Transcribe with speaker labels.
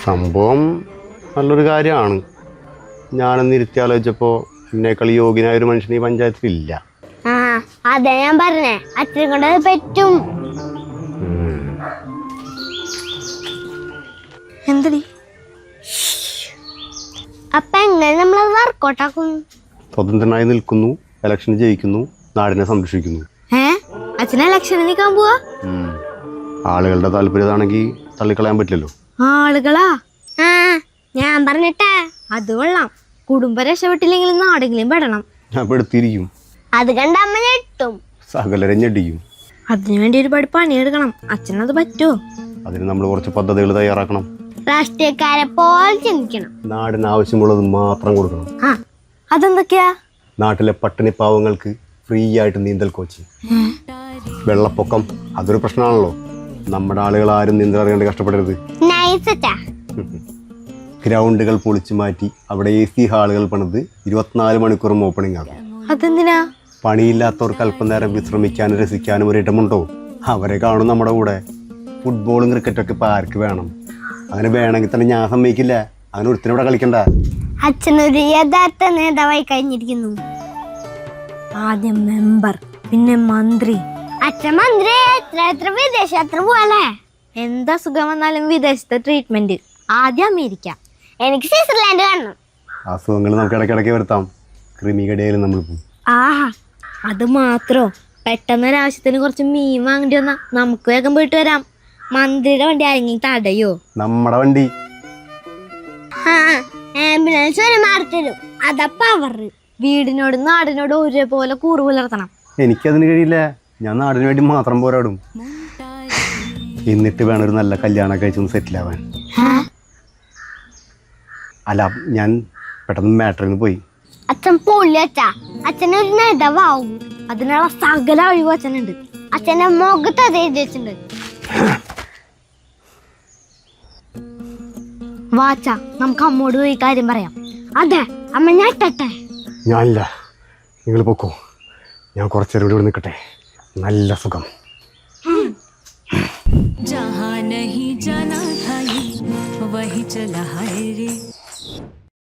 Speaker 1: സംഭവം നല്ലൊരു കാര്യമാണ്. ഞാനൊന്ന് ഇരുത്തി ആലോചിച്ചപ്പോൾ എന്നേക്കാൾ യോഗ്യനായ ഒരു മനുഷ്യൻ ഈ പഞ്ചായത്തിലില്ല.
Speaker 2: അതെ ഞാൻ പറഞ്ഞേ, അച്ഛനെ കൊണ്ട് പറ്റും.
Speaker 3: എന്തടി
Speaker 2: അപ്പൊ എങ്ങനെ നമ്മളത് വർക്കൗട്ടാക്കും?
Speaker 1: സ്വതന്ത്രനായി നിൽക്കുന്നു, ഇലക്ഷൻ ജയിക്കുന്നു, നാടിനെ സംരക്ഷിക്കുന്നു.
Speaker 3: അച്ഛനെ ഇലക്ഷന് നിൽക്കാൻ പോവാ?
Speaker 1: ആളുകളുടെ താല്പര്യമാണെങ്കിൽ തള്ളിക്കളയാൻ പറ്റില്ലല്ലോ.
Speaker 3: ആളുകളാ?
Speaker 2: ഞാൻ പറഞ്ഞിട്ടേ.
Speaker 3: അത് കൊള്ളാം. കുടുംബം രക്ഷപ്പെട്ടില്ലെങ്കിലും നാടെങ്കിലും പെടണം.
Speaker 1: ഞാൻ പെടുത്തിയിരിക്കും.
Speaker 2: അത് കണ്ട അമ്മ ഞെട്ടും,
Speaker 1: സകലരെ ഞെട്ടിക്കും.
Speaker 3: അതിനുവേണ്ടി ഒരുപാട് പണിയെടുക്കണം. അച്ഛനത് പറ്റുമോ?
Speaker 1: അതിന് നമ്മൾ കുറച്ച് പദ്ധതികൾ തയ്യാറാക്കണം.
Speaker 2: രാഷ്ട്രീയക്കാരെ പോലെ ചിന്തിക്കണം.
Speaker 1: നാടിന് ആവശ്യമുള്ളത് മാത്രം കൊടുക്കണം.
Speaker 3: അതെന്തൊക്കെയാ?
Speaker 1: നാട്ടിലെ പട്ടിണി പാവങ്ങൾക്ക് ഫ്രീ ആയിട്ട് നീന്തൽ കോച്ച്. വെള്ളപ്പൊക്കം അതൊരു പ്രശ്നമാണല്ലോ. നമ്മുടെ ആളുകൾ ആരും നീന്തൽ അറിയാണ്ട് കഷ്ടപ്പെടരുത്. ഗ്രൗണ്ടുകൾ പൊളിച്ചു മാറ്റി അവിടെ AC ഹാളുകൾ പണിത് 24 മണിക്കൂറും ഓപ്പണിംഗ് ആകും.
Speaker 3: അതെന്തിനാ?
Speaker 1: പണിയില്ലാത്തവർക്ക് അല്പനേരം വിശ്രമിക്കാനും രസിക്കാനും ഒരു ഇടമുണ്ടോ? അവരെ കാണും നമ്മുടെ കൂടെ. ഫുട്ബോളും ക്രിക്കറ്റൊക്കെ ഇപ്പം ആർക്ക് വേണം? അങ്ങനെ വേണമെങ്കിൽ തന്നെ ഞാൻ സമ്മതിക്കില്ല. അങ്ങനെ ഒരുത്തിനൂടെ കളിക്കണ്ട.
Speaker 2: അച്ഛനൊരു യഥാർത്ഥ നേതാവായി കഴിഞ്ഞിരിക്കുന്നു.
Speaker 3: ആദ്യം മെമ്പർ, പിന്നെ മന്ത്രി.
Speaker 2: അച്ഛൻ മന്ത്രി എത്ര വിദേശയാത്ര പോവാല്ലേ?
Speaker 3: എന്താ സുഖം വന്നാലും വിദേശത്തെ ട്രീറ്റ്മെന്റ്. ആദ്യം അമേരിക്ക.
Speaker 2: എനിക്ക് സ്വിറ്റ്സർലാൻഡ് കാണണം.
Speaker 1: അസുഖങ്ങൾ നമുക്ക് ഇടയ്ക്കിടയ്ക്ക് വരുത്താം. ക്രിമികടയിലും നമ്മൾ പോകും.
Speaker 3: അത് മാത്രോ? പെട്ടെന്നൊരാവശ്യത്തിന് കുറച്ച് മീൻ വാങ്ങേണ്ടി വന്നാ നമുക്ക് വേഗം പോയിട്ട് വരാം. മന്ത്രിയുടെ വണ്ടി ആരെങ്കിലും തടയോ?
Speaker 1: നമ്മുടെ വണ്ടി
Speaker 2: ആംബുലൻസ് വരെ മാറിത്തരും. അതപ്പ
Speaker 3: വീടിനോടും നാടിനോടും ഒരേപോലെ കൂറ് പുലർത്തണം.
Speaker 1: എനിക്കതിന് കഴിയില്ല. ഞാൻ നാടിന് വേണ്ടി മാത്രം പോരാടും. എന്നിട്ട് വേണം ഒരു നല്ല കല്യാണം കഴിച്ചൊന്ന് സെറ്റിൽ ആവാൻ. അല്ല, ഞാൻ പെട്ടെന്ന് മാറ്ററിന് പോയി.
Speaker 2: അച്ഛൻ പൊള്ളി അച്ഛാ. അച്ഛനൊരു നേതാവാവും.
Speaker 3: അതിനുള്ള സകല ഒഴിവ് അച്ഛനുണ്ട്.
Speaker 2: അച്ഛന്റെ മുഖത്ത് അത് എഴുതി വെച്ചിട്ടുണ്ട്.
Speaker 3: വാച്ച, നമുക്ക് അമ്മോട് പോയി കാര്യം പറയാം.
Speaker 2: അതെ, അമ്മ ഞെട്ടട്ടെ.
Speaker 1: ഞാനില്ല, നിങ്ങൾ പൊക്കോ. ഞാൻ കുറച്ചേരം ഇവിടെ നിൽക്കട്ടെ. നല്ല സുഖം.
Speaker 4: जहाँ नहीं जाना था ये वही चला है रे.